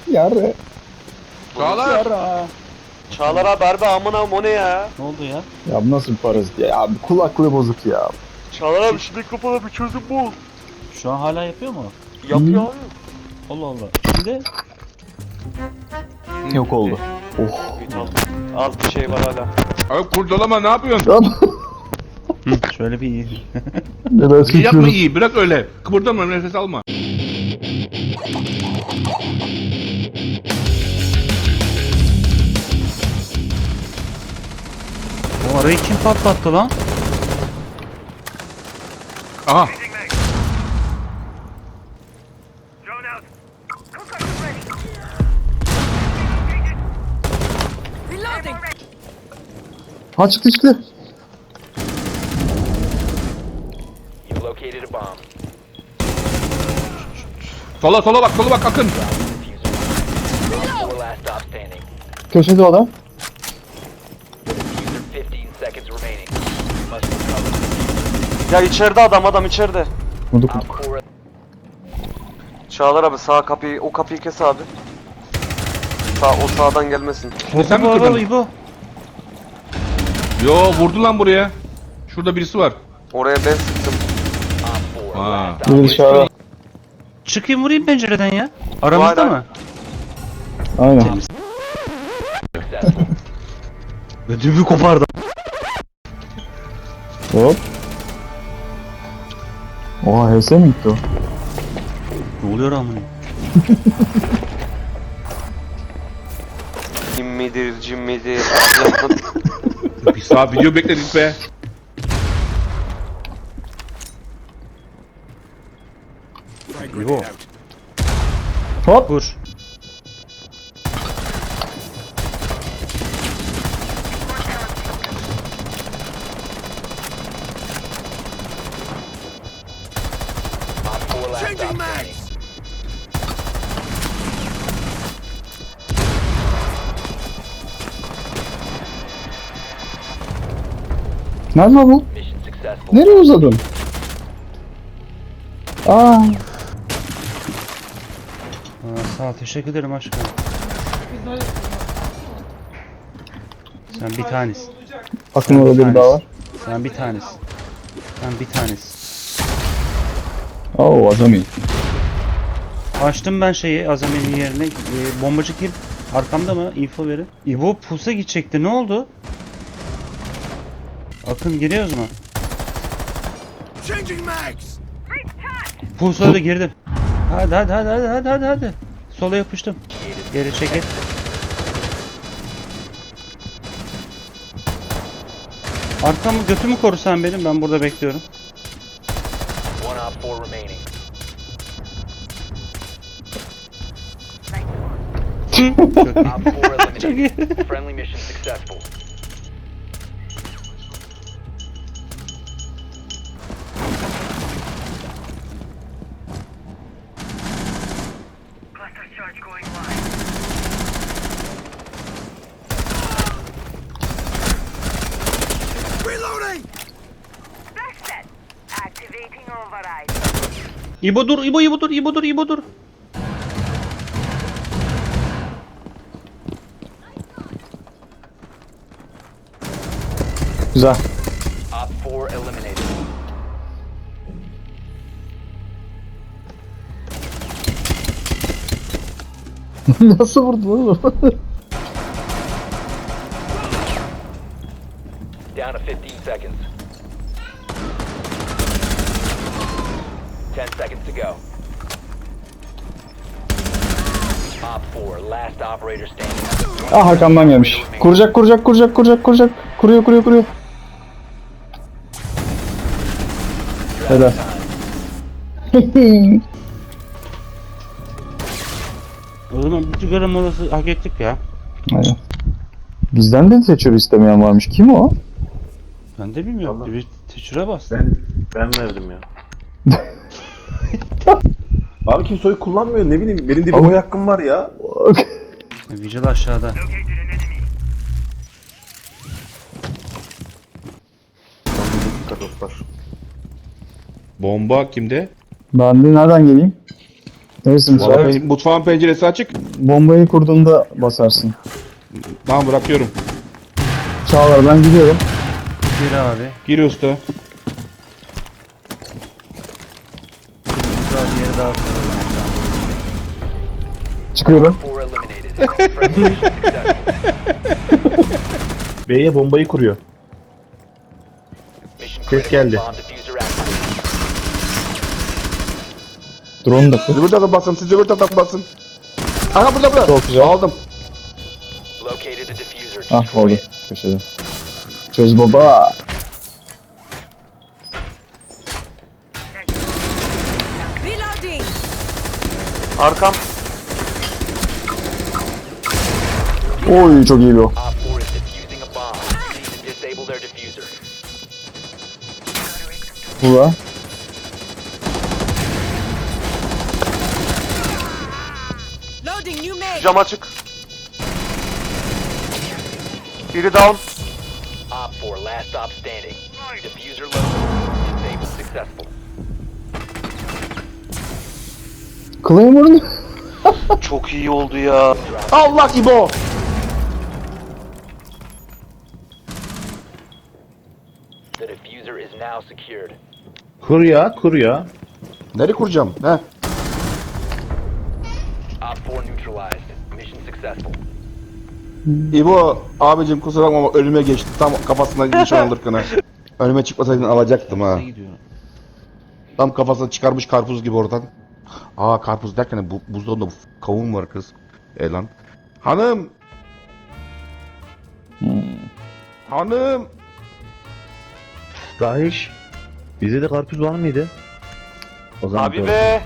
Yarı. Çağlar. Çağlar abi harbi amına o ne ya? Ne oldu ya? Ya bu nasıl bir parazit ya? Abi kulaklığı bozuk ya. Çağlar abi şu mikrofona bir çözüm bul. Şu an hala yapıyor mu? Yapıyor abi. Allah Allah. Şimdi Yok oldu. Oh. Az bir şey var hala. Abi kurdalama ne yapıyorsun? Tamam. şöyle bir Biraz İyi yapma sıkıyorum. iyi bırak öyle. Kıpırdama nefes alma. o arayı kim patlattı lan? Aha. Ha çıktı çıktı. You located a bomb. Sola bak Akın. Four last stop standing. Köşede o da. Diffuser 15 seconds remaining. You must recover. Ya içeride adam içeride. Vurduk Op vurduk. 4 Çağlar abi sağ kapıyı o kapıyı kes abi. O sağdan gelmesin. Sen mi Bu kırdın? İbo. Yo vurdu lan buraya. Şurada birisi var. Oraya ben sıktım. Op 4 Ha. last Bir operator dışarı. Çıkayım vurayım pencereden ya. Aramızda Aynen. mı? Aynen. successful. Ödümü kopardı. Hop. Oha HS mi gitti o? Ne oluyor amına? Cin midir? Bir saat video bekledik be. İbo. Hop. Vur. Op 4 last stop standing. Nerede bu? Mission successful. Nereye uzadın? Aa. Sağ ol, teşekkür ederim aşkım. Sen bir tanesin. Bakın orada biri daha var. Sen bir tanesin. Sen bir tanesin. Oo azami. Açtım ben şeyi Azami'nin yerine. Bombacı kim? Arkamda mı? Info verin. İbo pusa gidecekti. Ne oldu? Akın giriyoruz mu? Pusa da girdim. Hadi. Sola yapıştım. Geri çekil. Arkamı götümü korusan benim. Ben burada bekliyorum. One op 4 remaining. Op 4 eliminated. Friendly mission successful. Activating override. İbo dur, İbo dur. Güzel. Op 4 eliminated. Nasıl vurdu oğlum? Down to 15 seconds. 10 seconds to go. Op 4, last operator standing. Ah arkamdan gelmiş. Kuracak. Kuruyor. Helal. O zaman bir sigara molası hak ettik ya. Aynen. Bizden de seçiyor istemeyen varmış. Kim o? Ben de bilmiyorum. Bir teçhüre bas. Ben verdim ya. Abi kimse oy kullanmıyor, ne bileyim, benim de bir oy hakkım var ya. Vigil aşağıda. Bomba kimde? Ben de nereden geleyim? Neyse Vallahi müsait. mutfağın penceresi açık. Bombayı kurduğunda basarsın. Tamam bırakıyorum. Çağlar ben gidiyorum. Gir abi. Gir usta. Güzel bir yere daha koyalım. Çıkıyorum. 4 eliminated. Friendly mission successful. B'ye bombayı kuruyor. Mission Ses critical. geldi. Bomb diffuser activated. Drone da Zıbır takıp basın. Siz zıbır takıp basın. Aha burada. Çok güzel. Aldım. Located a diffuser. Ah Destroy oldu. it. Köşede. Çöz baba. Reloading. Arkam. Oy çok iyi bir o. Op 4 is defusing a bomb. You need to disable their diffuser. Burada. Loading new mag. Cam açık. Biri down. Op 4, last stop standing. Diffuser located. Disabled successful. Claymore'un. Çok iyi oldu ya. Allah İbo. The diffuser is now secured. Kur ya, kur ya. Nereye kuracağım? He. Op 4 neutralized. Mission successful. İbo abicim kusura bakma ama önüme geçti. Tam kafasına nişan alırken. Önüme çıkmasaydın alacaktım ha. Tam kafasına çıkarmış karpuz gibi oradan. Aa karpuz derken buzdolabında kavun var kız. Lan. Hanım. Hanım. Rahiş. Bize de karpuz var mıydı? O zaman Abi be.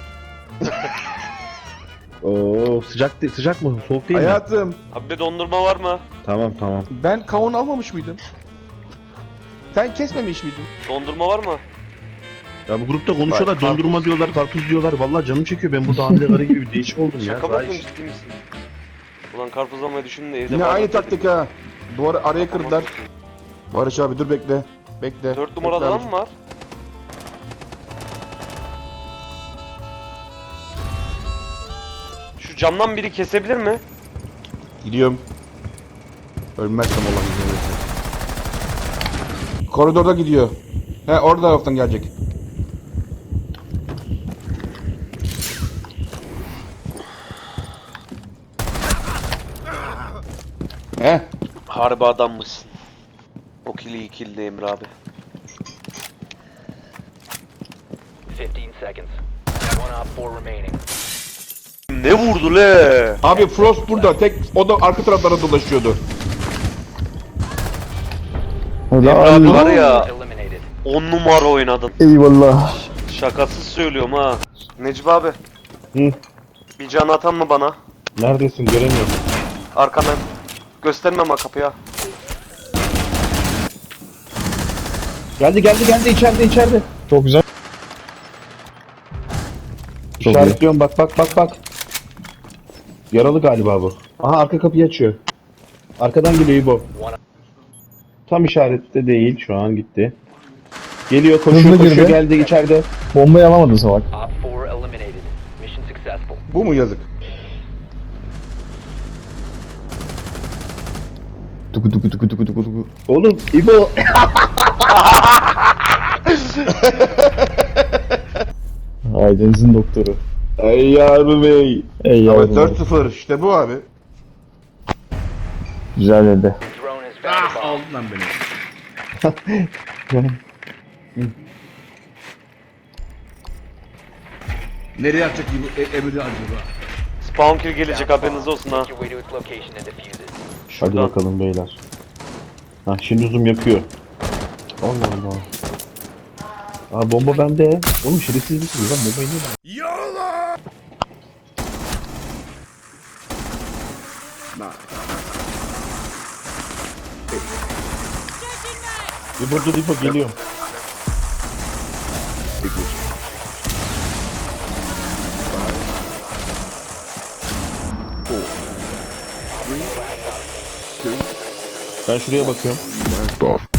Oo, sıcak mı? Soğuk değil mi? Hayatım. Abi be dondurma var mı? Tamam tamam. Ben kavun almamış mıydım? Sen kesmemiş miydin? Dondurma var mı? Ya bu grupta konuşuyorlar, Bak, dondurma diyorlar, karpuz diyorlar. Vallahi canım çekiyor. Ben burada hamile karı gibi bir değişik oldum ya. Şaka mı Rahiş. yapıyorsun, ciddi misin? Ulan karpuz almayı düşündüm de evde Yine var aynı mı? taktik ha. Duvarı araya kırdılar. Barış abi dur bekle. Bekle. 4 numaralı Bekle adam abi. mı var? Şu camdan biri kesebilir mi? Gidiyorum. Ölmezsem olan izin verirse. Koridorda gidiyor. He orada taraftan gelecek. He. Harbi adammışsın. O kili ikildi Emre abi. 15 seconds. One op 4 remaining. Ne vurdu le? Abi Frost burada. Tek o da arka taraflara dolaşıyordu. Emre abi Helal. var ya Eliminated. 10 numara oynadın. Eyvallah. Şakasız söylüyorum ha. Necip abi. Hı. Bir can atan mı bana? Neredesin? Göremiyorum. Arkadan. Gösterme ama kapıya. Geldi içeride. Çok güzel. Çok iyi. İşaretliyorum bak. Yaralı galiba bu. Aha arka kapıyı açıyor. Arkadan geliyor İbo. Tam işarette değil, şu an gitti. Geliyor, Hızlı koşuyor, girdi. geldi içeride. Bombayı alamadın salak. Op 4 eliminated. Mission successful. Bu mu yazık? Tuku tuku tuku tuku tuku tuku. Oğlum İbo. Ailenizin doktoru. Ay yavrum bey. Ey Evet yavrum. 4-0 işte bu abi. Güzel dedi. Drone has found a bomb. Aldın lan beni. Nereye atacak bu Emre acaba? Spawn kill gelecek haberiniz olsun ha. Make your way to its location and defuse it. Hadi Şuradan. bakalım beyler. Ha şimdi zoom yapıyor. Allah Allah. Aa bomba bende. Oğlum şerefsiz misiniz lan, bombayı niye İbo dur İbo geliyorum. Ben şuraya bakıyorum.